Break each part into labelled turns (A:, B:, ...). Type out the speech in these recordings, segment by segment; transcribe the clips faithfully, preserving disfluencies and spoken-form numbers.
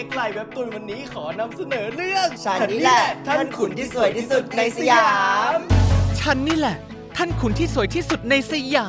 A: อ็กไลน์เว็บตูนวันนี้ขอนำเสนอเรื่อง
B: ฉันนี่แหละท่านขุนที่สวยที่สุดในสยาม
C: ฉันนี่แหละท่านขุนที่สวยที่สุดในสยาม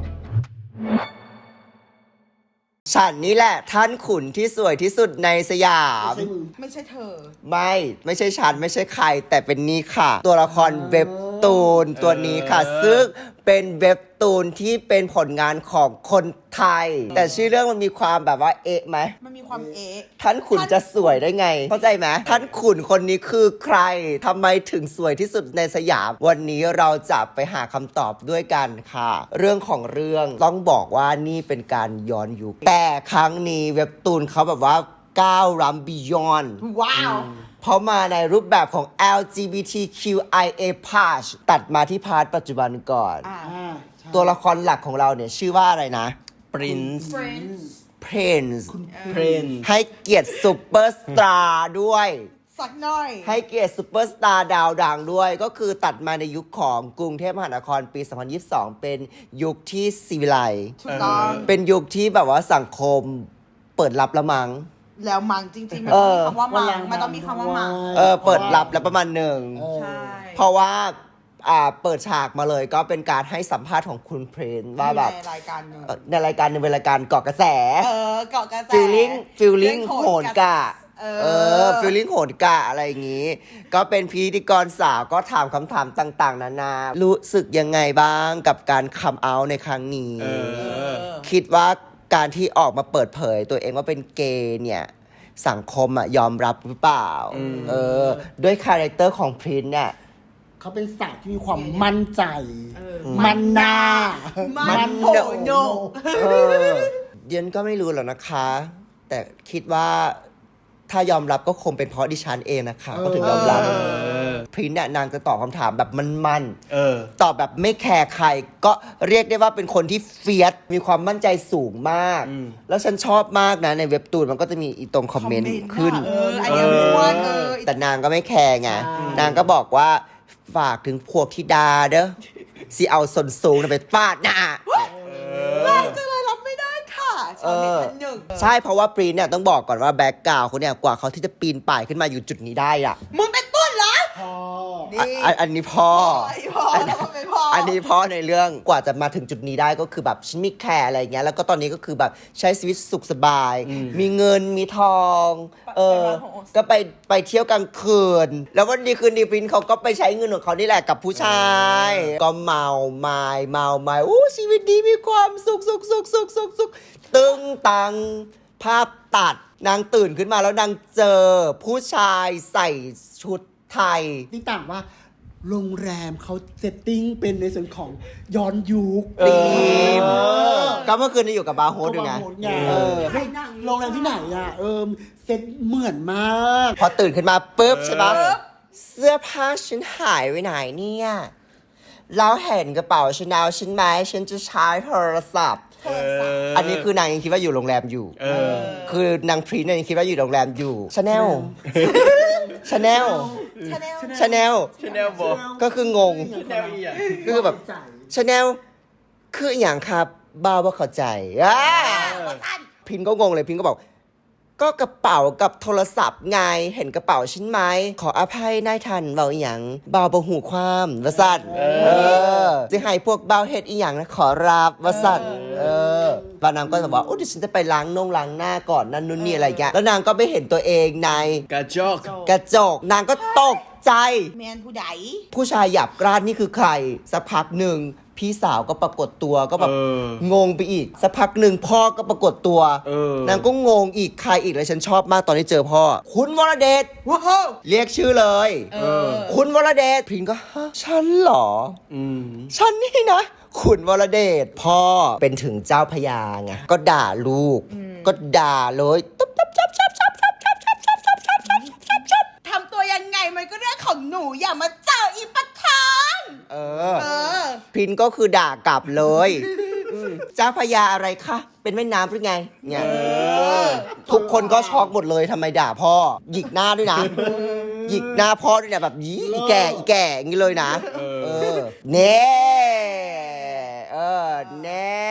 B: ฉันนี่แหละท่านขุนที่สวยที่สุดในสยาม
D: ไม่ใช่เธอ
B: ไม่ไม่ใช่ฉันไม่ใช่ใครแต่เป็นนี่ค่ะ ตัวละครเว็บตูนตัวนี้ค่ะ ซึ่งเป็นเว็บตูนที่เป็นผลงานของคนไทย แต่ชื่อเรื่องมันมีความแบบว่าเอ๊ะไหม
D: มันมีความเอ๊ะ
B: ท่านขุนจะสวยได้ไง เข้าใจไหมท่านขุนคนนี้คือใครทำไมถึงสวยที่สุดในสยาม วันนี้เราจะไปหาคำตอบด้วยกันค่ะ เรื่องของเรื่องต้องบอกว่านี่เป็นการย้อนยุคแต่ครั้งนี้เว็บตูนเขาแบบว่าก้าวล้ำ beyond
D: ว้าว
B: เพราะมาในรูปแบบของ แอล จี บี ที คิว ไอ เอ plus ตัดมาที่พาร์ทปัจจุบันก่อน
D: อ่า
B: ตัวละครหลักของเราเนี่ยชื่อว่าอะไรนะ
A: Prince
D: Friends
B: Prince
A: Prince
B: ให้เกียรติซูเปอร์สตาร์ด้วย
D: สักหน่อย
B: ให้เกียรติซูเปอร์สตาร์ดาวดังด้วย ก็คือตัดมาในยุคของกรุงเทพมหานครปี สองพันยี่สิบสอง เป็นยุคที่ศิวิไลซ์
D: ถูกต้อง
B: เป็นยุคที่แบบว่าสังคมเปิดรับละมัง
D: แล้วมังจริงๆ มัน
B: เอ
D: ต้อง
B: อ
D: มีคำว่ามัง มันต้องมีคำว่ามัง
B: เออเปิดรับแล้วประมาณหนึ่ง
D: ใช่
B: เพราะว่าอ่าเปิดฉากมาเลยก็เป็นการให้สัมภาษณ์ของคุณเพรนว่าแบบ
D: ในรายการหนึ่ง
B: เอ่อในรายการหนึงเป็นรายการเกาะกระแส
D: เออเกาะกระแส
B: ฟิลลิ่งฟิลลิ่ง
D: เรื่อง
B: โหนกะ
D: เอ
B: เออ
D: อ
B: ฟิลลิ่งโหนกะอะไรอย่างงี้ ก็เป็นพิธีกรสาวก็ถามคำถามต่าง ๆ นานา รู้สึกยังไงบ้างกับการคัมเอาท์ในครั้งนี้
A: เออ
B: คิดว่าการที่ออกมาเปิดเผยตัวเองว่าเป็นเกย์เนี่ย สังคมอะยอมรับหรือเปล่า เออ ด้วยคาแรคเตอร์ของพรินซ์เนี่ย
E: เขาเป็นสาวที่มีความมั่นใจ
D: เออ
E: มันหน้า
D: มันโผโยก
B: เออเดียนก็ไม่รู้หรอกนะคะ แต่คิดว่าถ้ายอมรับก็คงเป็นเพราะดิฉันเองนะคะก็ถึงยอมรับ
A: เออ
B: พรินซ์เนี่ยนางจะตอบคำถามแบบมัน
A: เออ
B: ๆตอบแบบไม่แคร์ใคร ก็เรียกได้ว่าเป็นคนที่เฟียสมีความมั่นใจสูงมาก
A: อืม
B: แล้วฉันชอบมากนะในเว็บตูนมันก็จะมีอีตรงคอมเมนต์ขึ้น
D: เออไอเดียม้วนเออ
B: แต่นางก็ไม่แคร์ไง
E: ใช่
B: นางก็บอกว่าฝากถึงพวกธิดาเด้อสิเอาส่วนสูงน่ะไปฟาดหน้า
D: แรงจังเลยรับไม่ได้ค่ะชาวเน็ตท่านหนึ่ง
B: ใช่เพราะว่าปรีนเนี่ยต้องบอกก่อนว่าแบ็กกราวด์เขาเนี่ยกว่าเขาที่จะปีนป่ายขึ้นมาอยู่จุดนี้ได้อะ
D: มึงเป็นต้นเหรอ
E: พ่อ
D: นี่
B: อ่ะอันอันนี้พ่อ
D: ไอ้พ่อแล้วก็เป็นพ่อ
B: อั
D: อั
B: นนี้พ่อในเรื่องกว่าจะมาถึงจุดนี้ได้ก็คือแบบฉันไม่แคร์อะไรอย่างเงี้ยแล้วก็ตอนนี้ก็คือแบบใช้ชีวิตสุขสบาย มีเงินมีทอง เออ ก็ไปไปเที่ยวกลางคืน แล้ววันดีคืนดีปรินเขาก็ไปใช้เงินของเขานี่แหละกับผู้ชาย ก็เมาไม้เมาไม้อู้ชีวิตดีมีความสุขสุขสุขสุขสุขสุขตึงตังภาพตัดนางตื่นขึ้นมาแล้วนางเจอผู้ชายใส่ชุดไทย
E: ที่ต่างว่าโรงแรมเขาเซตติ้งเป็นในส่วนของย้อนยุค
B: ธีม
E: เออ
B: ก็เมื่อคืนนี้อยู่กับบาร์โฮสด้วยไง
E: โรงแรมไง
B: เออ
E: เฮ้ยโรงแรมที่ไหนอ่ะ เออเซตเหมือนมาก
B: พอตื่นขึ้นมาปุ๊บใช่ปะ
A: เออ
B: เสื้อผ้าฉันหายไปไหนเนี่ยแล้วเห็นกระเป๋าฉันเอาฉันไหมฉันจะใช้โทรศัพท์
A: เออ
B: อันนี้คือนางยังคิดว่าอยู่โรงแรมอยู่
A: เออ
B: คือนางพรีนเนี่ยยังคิดว่าอยู่โรงแรมอยู่ชาแนลชาแนล
D: ชาแนล
B: ชาแนล
A: Chanel บอก
B: ก็คืองง
A: Chanel อีอะ
B: คือแบบ ชาแนลคืออย่างครับบ้าว่าเข้าใจอ่าพินก็งงเลยพินก็บอก ก็กระเป๋ากับโทรศัพท์ไงเห็นกระเป๋าฉันไหมขออภัยนายทันเบาอหย่างเบาบหูความวสันเออจะให้พวกเบาเฮ็ดอีหยังนะขอรับวสันเออบานางก็จะบอกโอ้เดี๋ยวฉันจะไปล้างนงล้างหน้าก่อนนั่นนู่นนี่อะไรอย่างเงี้ยแล้วนางก็ไม่เห็นตัวเองใน
A: กระจก
B: กระจกนางก็ตกใจ
D: แมนผู้ใด
B: ผู้ชายหยาบกร้านนี่คือใคร สักพักหนึ่งพี่สาวก็ปรากฏตัวก็แบบ
A: เออ
B: งงไปอีก สักพักหนึ่งพ่อก็ปรากฏตัว
A: เออ
B: นางก็งงอีกใครอีกเลยฉันชอบมากตอนที่เจอพ่อ คุณวรเดช
D: ว้าว
B: เรียกชื่อเลย
D: เออ
B: คุณวรเดชพินก็ฮะฉันเหรอ
A: อืม
B: ฉันนี่นะ คุณวรเดชพ่อเป็นถึงเจ้าพญาไงก็ด่าลูก ก็ด่าเลยตุ๊บตุ๊บจับจับจับจับจับจับจับจับจับจับจับจับ
D: ทำตัวยังไงมันก็เรื่องของหนูอย่ามาเจออีปะทาน
B: เออ
D: เออ
B: พินก็คือด่ากลับเลย เจ้าพญาอะไรคะเป็นแม่น้ำหรือไงเนี่ย
A: เออ
B: ทุกคนก็ช็อกหมดเลยทำไมด่าพ่อ หยิกหน้าด้วยนะ หยิกหน้าพ่อด้วยนะแบบยี่อีแก่อีแก่อย่างนี้เลยนะ
A: เออ
B: เออเน่เออแน่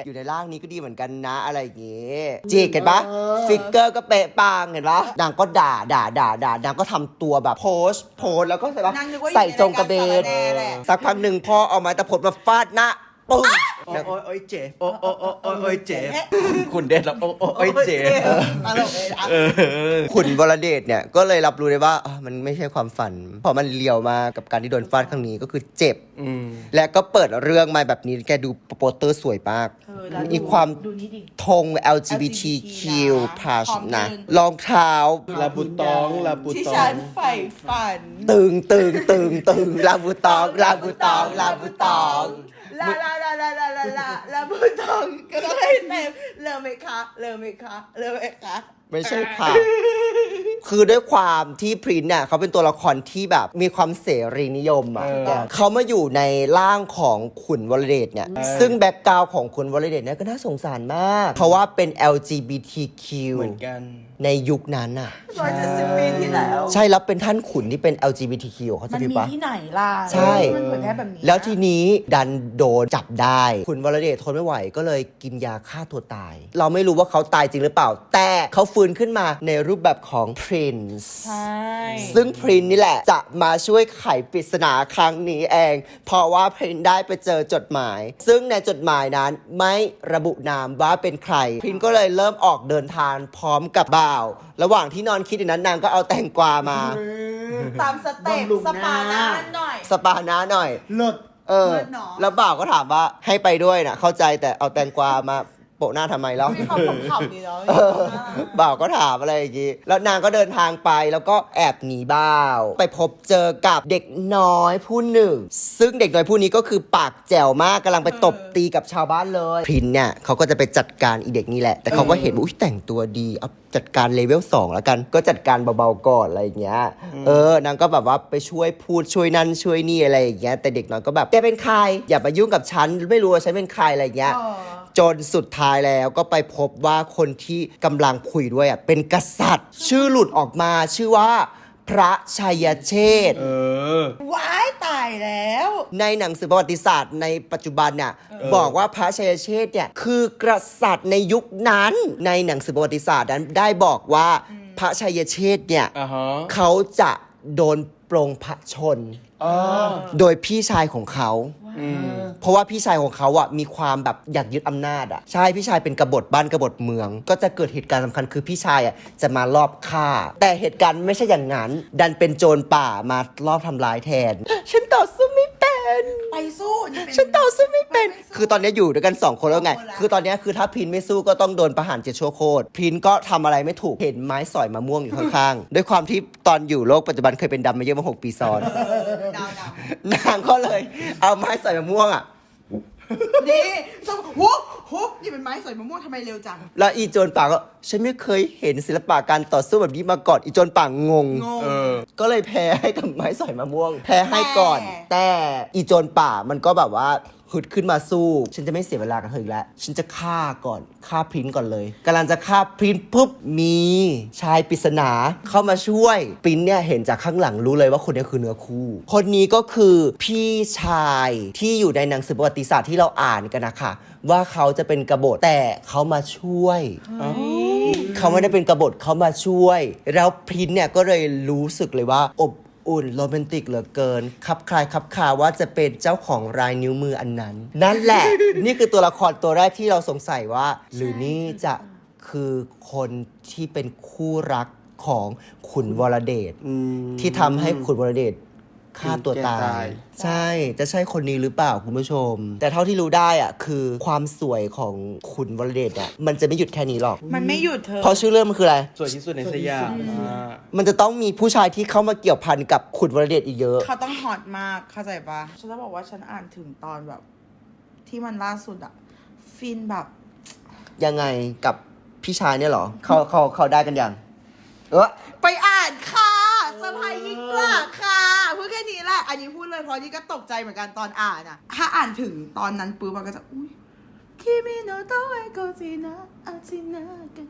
B: อยู่ในร่างนี้ก็ดีเหมือนกันนะอะไรอย่างเงี้ยจีกเห็นปะฟิกเกอร์ก็เป๊ะปังเห็นปะนางก็ด่าด่าด่าด่านางก็ทำตัวแบบโพสโพสแล้วก็ใส่ปะ
D: นางนึกว่าอยู่
B: ใส่จงกระเบน
D: ในรายการสารแหน่แหละ
B: สักพักหนึ่งพ่อเอาไม้ตะพดมาฟาดหน้าปึ้ง
A: โอ้ยโอ้ยโอ้ยเจ็บโอ้ยโอ้ยโอ้ยโอ้ยโอ้ยเจ็บคุณเด็ดแล้วโอ้ยโอ้ยโอ้ยเจ็บ
D: ตลกเลยนะ
A: เออ
B: ขุนวรเดชเนี่ยก็เลยรับรู้ได้ว่าอ่ะมันไม่ใช่ความฝันเพราะมันเลียวมากับการที่โดนฟาดครั้งนี้ก็คือเจ็บ
A: อืม
B: และก็เปิดเรื่องมาแบบนี้แกดูโปสเตอร์สวยมาก
D: เออแล้วดู
B: มีความ
D: ดูนี่ดิ
B: ธง แอล จี บี ที คิว
D: นะ
B: plus
D: พร้อม
B: นะ
D: เดิน
B: รองเท้า
A: ลาบูตองลาบู
D: ที่
A: ตอ
D: ฉั
A: ง
D: นใฝ่ฝัน
B: ตึงตึงตึงตึงลาบูตองลาบูตองลาบูตอง
D: ลาลาลาลาลาลาลาลาบูตองก็ต้องให้เต็มเริ่มไหมคะเริ่มไหมคะเริ่มไหมคะ
B: ไม่ใช่ค่ะ คือด้วยความที่พรินซ์เนี่ยเขาเป็นตัวละครที่แบบมีความเสรีนิยมอ่ะ
A: เออ
B: เขามาอยู่ในร่างของขุนวรเดชเนี่ย
A: เออ
B: ซึ่งแบ็กกราวด์ของขุนวรเดชเนี่ยก็น่าสงสารมาก เพราะว่าเป็น แอล จี บี ที คิว
A: เหมือนกัน
B: ในยุคนั้นอ่ะ
D: ร้อยเจ็ดสิบปีที่แล้ว
B: ใช่แล้วเป็นท่านขุนที่เป็น แอล จี บี ที คิว เขา
D: มั
B: จะ
D: น
B: พี่
D: มี
B: ปะ
D: ที่ไหนล่ะ
B: ใช่
D: มันเผยแพร่แบบนี้
B: แล้วทีนี้ดันโดนจับได้ ขุนวรเดชทนไม่ไหวก็เลยกินยาฆ่าตัวตาย เราไม่รู้ว่าเขาตายจริงหรือเปล่า แต่เขาฟื้นขึ้นมาในรูปแบบของ Prince
D: ใช่
B: ซึ่งพรินนี่แหละจะมาช่วยไขปริศนาครั้งนี้เอง เพราะว่าพรินได้ไปเจอจดหมาย ซึ่งในจดหมายนั้นไม่ระบุนามว่าเป็นใคร พรินก็เลยเริ่มออกเดินทางพร้อมกับบ่าว ระหว่างที่นอนคิดอยู่นั้นนางก็เอาแตงกวามา
D: ตามสเต็ป
E: บำรุง
D: สปาห
E: ห
D: น้า
E: น้า
D: หน่อย
B: สปาหน้าหน่อย
E: เลิศ
B: เออ
D: เลิศเนอะ
B: แล้วบ่าวก็ถามว่าให้ไปด้วยนะเข้าใจแต่เอาแตงกวามาโปะหน้าทำไมแล้ว
D: มีความขำๆดีเนาะ
B: เออบ่าวก็ถามอะไรอย่างงี้ แล้วนางก็เดินทางไปแล้วก็แอบหนีบ่าว ไปพบเจอกับเด็กน้อยผู้หนึ่ง ซึ่งเด็กน้อยผู้นี้ก็คือปากแจ๋วมากกำลังไปตบตีกับชาวบ้านเลยพรินเนี่ยเขาก็จะไปจัดการอีเด็กนี่แหละ แต่เขาก็เห็นว่าอุ้ยแต่งตัวดีเอาจัดการเลเวลสองแล้วกัน ก็จัดการเบาๆก่อนอะไรอย่างเงี้ย เออนางก็แบบว่าไปช่วยพูดช่วยนั่นช่วยนี่อะไรอย่างเงี้ย แต่เด็กน้อยก็แบบแกเป็นใคร อย่ามายุ่งกับฉัน ไม่รู้ว่าฉันเป็นใครอะไรอย่างเงี้ย
D: เออ
B: จนสุดท้ายแล้วก็ไปพบว่าคนที่กำลังคุยด้วยอ่ะเป็นกษัตริย์ ชื่อหลุดออกมาชื่อว่า พระชัยเชษฐ์
A: เออ
D: ว้ายตายแล้ว
B: ในหนังสือประวัติศาสตร์ในปัจจุบันเนี่ยบอกว่าพระชัยเชษฐ์เนี่ยคือกษัตริย์ในยุคนั้น ในหนังสือประวัติศาสตร์นั้นได้บอกว่าพระชัยเชษฐ์เนี่ย
A: อ่าฮะ
B: เขาจะโดนปลงพระชน
A: อ๋อ
B: โดยพี่ชายของเขา
A: อืม
B: เพราะว่าพี่ชายของเขาอ่ะมีความแบบอยากยึดอำนาจอ่ะใช่พี่ชายเป็นกบฏบ้านกบฏเมือง ก็จะเกิดเหตุการณ์สำคัญคือพี่ชายอ่ะจะมารอบฆ่า แต่เหตุการณ์ไม่ใช่อย่างนั้น ดันเป็นโจรป่ามารอบทำร้ายแทน ฉันต่อสู้ไม่เป็น
D: ไปสู้นี่เป็น
B: ฉันต่อสู้ไม่เป็น
D: ไปสู้
B: คือตอนนี้อยู่ด้วยกันสองคนแล้วไง
D: สองคนละ
B: คือตอนนี้คือถ้าพินไม่สู้ก็ต้องโดนประหารเจ็ดชั่วโคตรพินก็ทำอะไรไม่ถูกเห็นไม้สอยมะม่วงอยู่ข้างๆด้วยความที่ตอนอยู่โลกปัจจุบันเคยเป็นดำมาเยอะมาหกปีซ้อน
D: ดาวดาวน
B: างก็เลยเอาไม้สอยมะม่วงอ่ะ
D: นี่ต้องหุบหุบนี่เป็นไม้สอยมะม่วงทำไมเร็วจัง
B: แล้วอีโจรป่าก็ฉันไม่เคยเห็นศิลปะการต่อสู้แบบนี้มาก่อนอีโจรป่างงง
D: งง
A: เออ
B: ก็เลยแพ้ให้กับไม้สอยมะม่วง แพ้ให้ก่อน
D: แต่
B: แต่อีโจรป่ามันก็แบบว่าฮึดขึ้นมาสู้ ฉันจะไม่เสียเวลากับเธออีกแล้ว ฉันจะฆ่าก่อนฆ่าพรินก่อนเลยกำลังจะฆ่าพรินปุ๊บมีชายปริศนาเข้ามาช่วยพรินเนี่ยเห็นจากข้างหลังรู้เลยว่าคนนี้คือเนื้อคู่ คนนี้ก็คือพี่ชายที่อยู่ในหนังสือประวัติศาสตร์ที่เราอ่านกันนะคะว่าเขาจะเป็นกบฏแต่เขามาช่วย เขาไม่ได้เป็นกบฏเขามาช่วย แล้วพรินเนี่ยก็เลยรู้สึกเลยว่าอบอุ่นโรแมนติกเหลือเกินคับคลายคับคาว่าจะเป็นเจ้าของรายนิ้วมืออันนั้น นั่นแหละ นี่คือตัวละครตัวแรกที่เราสงสัยว่า หรือนี่จะคือคนที่เป็นคู่รักของขุนวรเดช
A: อืม
B: ที่ทำให้ขุนวรเดชฆ่าตัวตา
A: แกตาย ย
B: ใช่ จะใช่คนนี้หรือเปล่าคุณผู้ชม แต่เท่าที่รู้ได้อะคือความสวยของขุนวรเดชอะมันจะไม่หยุดแค่นี้หรอก
D: มันไม่หยุดเธอ
B: เพราะชื่อเรื่องมันคืออะไร
A: สวยที่สุดในสยามอ่า
B: มันจะต้องมีผู้ชายที่เข้ามาเกี่ยวพันกับขุนวรเดชอีกเยอะ
D: เขาต้องฮอตมากเข้าใจปะฉันจะบอกว่าฉันอ่านถึงตอนแบบ ที่มันล่าสุดอะฟินแบบ
B: ยังไงกับพี่ชายเนี่ยเหรอ เขาเขาเขาได้กันยังเออ
D: ไปอ่านค่ะเซอร์ไพรส์ยิ่งกว่าค่ะพูดแค่นี้แหละ อันนี้พูดเลยเพราะนี่ก็ตกใจเหมือนกันตอนอ่านอะถ้าอ่านถึงตอนนั้นปุ๊บมันก็จะอุ้ยคิมิโนโตะเอโกจินะอาจินะกะ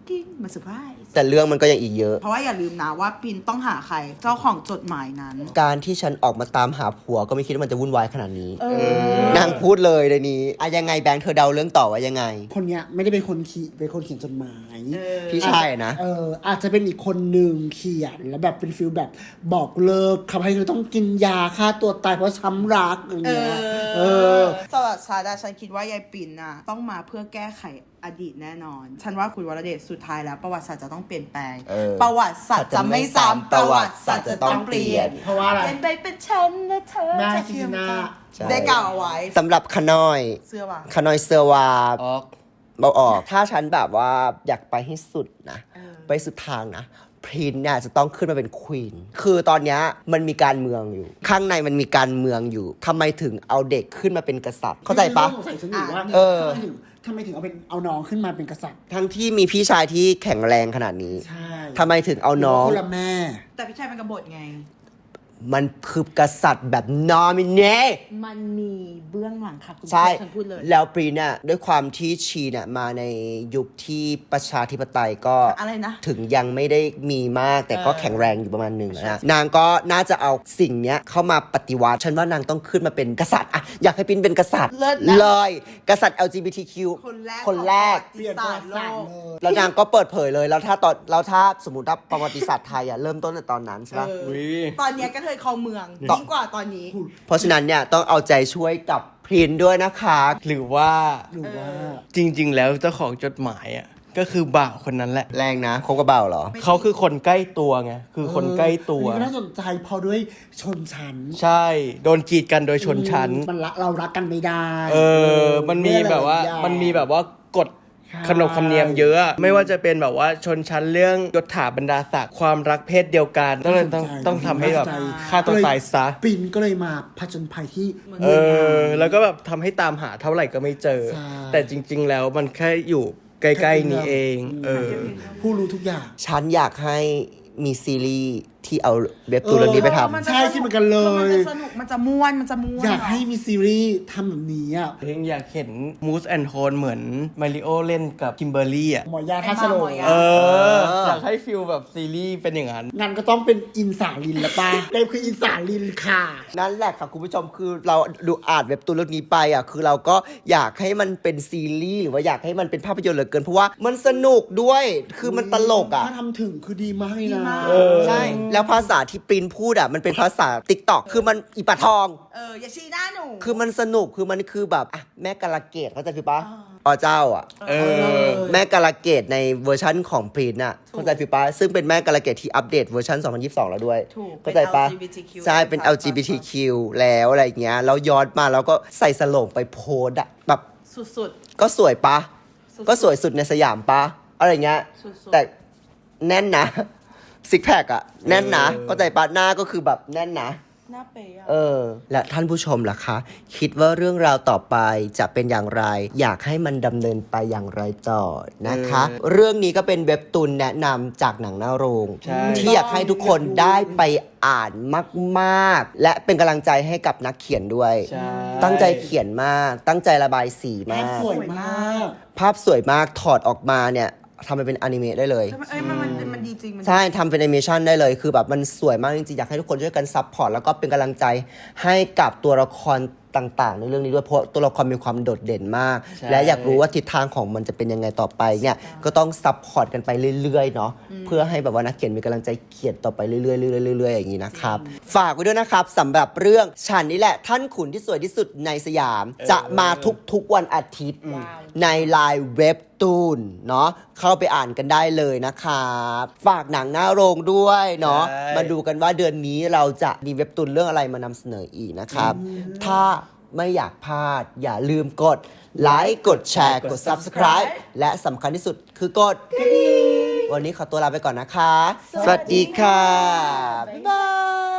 D: กิ้งมาเซอร์ไพรส์
B: แต่เรื่องมันก็ยังอีกเยอะ
D: เพราะว่าอย่าลืมนะว่าปินต้องหาใครเจ้าของจดหมายนั้น
B: การที่ฉันออกมาตามหาผัวก็ไม่คิดว่ามันจะวุ่นวายขนาดนี้
D: เออ
B: นางพูดเลยในนี้อะยังไงแบงค์เธอเดาเรื่องต่อว่ายังไง
E: คนเนี้ยไม่ได้เป็นคนเขียนเป็นคนเขียนจดหมาย
D: เออ
B: พี่ชายนะ
E: เอออาจจะเป็นอีกคนหนึ่งเขียนแล้วแบบเป็นฟิลแบบบอกเลิกทำให้เธอต้องกินยาฆ่าตัวตายเพราะช้ำรักอย่าง
D: เอ
E: เงี้ย
D: อ
E: เออ
D: สำหรับชาดาฉันคิดว่ายายปิ่นน่ะต้องมาเพื่อแก้ไขอดีตแน่นอน ฉันว่าคุณวรเดชสุดท้ายแล้วประวัติศาสตร์จะต้องเปลี่ยนแปลง
B: เออ
D: ประวัติศาสตร์จะไม่ซ้ำประวัติศาสตร์จะต้องเปลี่ยน
E: เพราะว่าอะไร
D: เปลี่ยนไปเป็นฉันและเธอ
E: แม่
D: จะ
E: ซิซิน่า
B: ใช่
D: ได้กล่าวเอาไว้
B: สำหรับขนอย
D: เสื้อว่ะ
B: ขนอยเซอร์วา
A: ออก
B: เบาออก ถ้าฉันแบบว่าอยากไปให้สุดนะ
D: เออ
B: ไปสุดทางนะพรินเนี่ยจะต้องขึ้นมาเป็นควีนคือตอนเนี้ยมันมีการเมืองอยู่ ข้างในมันมีการเมืองอยู่ทำไมถึงเอาเด็กขึ้นมาเป็นกษัตริย์ เข้าใจปะ
E: สงสัยฉันอยู่ว่า
B: เออ
E: ทำไมถึงทำไมถึงเอาเป็นเอาน้องขึ้นมาเป็นกษัตริย์
B: ทั้งที่มีพี่ชายที่แข็งแรงขนาดนี้
E: ใช่
B: ทำไมถึงเอาน้อง
E: คนละแม่
D: แต่พี่ชายเป็นกบฏไง
B: มันคือกษัตริย์แบบนอมิเน
D: มันมีเบื้องหลังค่ะคุณ
B: ใช่
D: ฉันพูดเลย
B: แล้วปรีเนี่ยด้วยความที่ชีเนี่ยมาในยุคที่ประชาธิปไตยก็
D: อะไรนะ
B: ถึงยังไม่ได้มีมากแต่ก็
D: เออ
B: แข็งแรงอยู่ประมาณหนึ่งนะนางก็น่าจะเอาสิ่งเนี้ยเข้ามาปฏิวัติฉันว่านางต้องขึ้นมาเป็นกษัตริย์อะอยากให้ปรินเป็นกษัตริย์
D: เลิศนะ
B: เลยกษัตริย์ แอล จี บี ที คิว
D: คนแรก
B: คนแรก
D: ของประวัติศาสตร์โลก
B: แล้วนางก็เปิดเผยเลยแล้วถ้าตอนแล้วถ้าสมมติว่าประวัติศาสตร์ไทยอะเริ่มต้นในตอนนั้นใช่ปะ
D: เออ
A: อุ๊ย
D: ตอนเนี้ยก็เคยครองเมือง
B: ต่อ
D: ยิ่งกว่าตอนนี้
B: เพราะฉะนั้นเนี่ยต้องเอาใจช่วยกับพรินด้วยนะคะ
A: หรือว่า
E: หรือว่า
A: จริง ๆ แล้วเจ้าของจดหมายอ่ะก็คือบ่าวคนนั้นแหละ
B: แรงนะคบกับเบาเหรอ
A: เขาคือคนใกล้ตัวไงคือคนใกล้ตัว
E: อันนี้ก็น่าสนใจเพอด้วยชนชั้น
A: ใช่ โดนกีดกันโดยชนชั้น
E: มันละเรารักกันไม่ได้
A: เออ มันมีแบบว่า
E: เรื่องอะไร
A: มันมีแบบว่ากฎ
E: ใช่
A: ขนบธรรมเนียมเยอะอะไม่ว่าจะเป็นแบบว่าชนชั้นเรื่องยศถาบรรดาศักดิ์ความรักเพศเดียวกันต้องเลยต้องต้องทำให้แบบฆ่าตัวตายซะ
E: ปินก็เลยมาผจญภัยที่
A: เออ แล้วก็แบบทำให้ตามหาเท่าไหร่ก็ไม่เจอ
E: ใช่
A: แต่จริง ๆ แล้วมันแค่อยู่ใกล้ๆนี้เอง เออ
E: ผู้รู้ทุกอย่าง
B: ฉันอยากให้มีซีรีส์ที่เอาเว็บตูนเรื่องนี้ไปทำ
D: มันจะ
E: ใช่คิดเหมือนกันเลย
D: มันจะสนุกมันจะม่วนมันจะม่วน
E: อยากให้มีซีรีส์ทำแบบนี้อ่ะ
A: เพลงอยากเห็นมูสแอนโทนเหมือนมาริโอเล่นกับคิมเบอร์รี่อ่ะ
E: หมอยาท่าสโลง
A: เออ
B: เออ
A: อยากให้ฟิลแบบซีรีส์เป็นอย่างนั้น
E: งั้นก็ต้องเป็นอินสาลินละป้าเต็มคืออินสาลินค่ะ
B: นั่นแหละค่ะคุณผู้ชมคือเราดูอ่านเว็บตูนเรื่องนี้ไปอ่ะคือเราก็อยากให้มันเป็นซีรีส์หรือว่าอยากให้มันเป็นภาพยนตร์เหลือเกินเพราะว่ามันสนุกด้วยคือมันตลกอ่ะ
E: ถ้าทำถึงคือดีมากเลยนะ
A: เออ
B: ใช่แล้วภาษาที่ปรินพูดอ่ะมันเป็นภาษาติ๊กต็อกคือมันอีปะทอง
D: เอออย่าชี้หน้าหนู
B: คือมันสนุกคือมันคือแบบอ่ะแม่กาลเกตเข้าใจพี่ปะอ๋อเจ้าอ่ะ
A: เออ
B: แม่กาลเกตในเวอร์ชั่นของพรินน่ะเข้าใจพี่ปะซึ่งเป็นแม่กาลเกตที่อัปเดตเวอร์ชันสองพันยี่สิบสองแล้วด้วย
D: ถูก
B: เข้าใจปะ
D: เป็น แอล จี บี ที คิว
B: ใช่เป็น แอล จี บี ที คิว แล้วอะไรอย่างเงี้ยแล้วย้อนมาแล้วก็ใส่สโลงไปโพสต์อะแบบ
D: สุด
B: ก็สวยปะ
D: สุดๆ
B: ก็สวยสุดในสยามปะอะไรเงี้ย
D: สุดๆ
B: แต่แน่นนะซิกแพคอะแน่นนะ
A: เออ
B: เข้าใจปะหน้าก็คือแบบแน่นนะ
D: ๆหน้าเป๊ะอะ
B: เออ และท่านผู้ชมล่ะคะ คิดว่าเรื่องราวต่อไปจะเป็นอย่างไร อยากให้มันดำเนินไปอย่างไรต่อนะคะ เรื่องนี้ก็เป็นเว็บตูนแนะนำจากหนังหน้าโรง
A: ใช่
B: ที่อยากให้ทุกคนได้ไปอ่านมากๆ และเป็นกำลังใจให้กับนักเขียนด้วย
A: ใช่
B: ตั้งใจเขียนมาก ตั้งใจระบายสีมาก
E: สวยมาก
B: ภาพสวยมากถอดออกมาเนี่ยทำมันเป็นอนิเมะได้เลย
D: เอ้ยมันมันมันดีจริงมัน
B: ใช่ทำเป็นแอนิเมชันได้เลยคือแบบมันสวยมากจริงๆ อยากให้ทุกคนช่วยกันซัพพอร์ตแล้วก็เป็นกำลังใจให้กับตัวละครต่างๆ ในเรื่องนี้ด้วยเพราะตัวละครมีความโดดเด่นมาก
A: ใช่
B: และอยากรู้ว่าทิศทางของมันจะเป็นยังไงต่อไปเนี่ยก็ต้องซัพพอร์ตกันไปเรื่อยๆเนาะเพื่อให้แบบว่านักเขียนมีกำลังใจเขียนต่อไปเรื่อยๆเรื่อยๆเรื่อยๆอย่างนี้นะครับฝากไว้ด้วยนะครับสำหรับเรื่องฉันนี่แหละท่านขุนที่สวยที่สุดในสยาม จะมาทุกๆวันอาทิตย์ ในไลน์เว็บตูนเนาะเข้าไปอ่านกันได้เลยนะครับฝากหนังหน้าโรงด้วยเนาะ
A: ใช่
B: มาดูกันว่าเดือนนี้เราจะมีเว็บตูนเรื่องอะไรมานำเสนออีกนะครับ ถ้าไม่อยากพลาด อย่าลืมกดไลค์กดแชร์กด Subscribe และสำคัญที่สุดคือกดกระดิ่งวันนี้ขอตัวลาไปก่อนนะคะ สวัสดีค่ะ บ๊ายบาย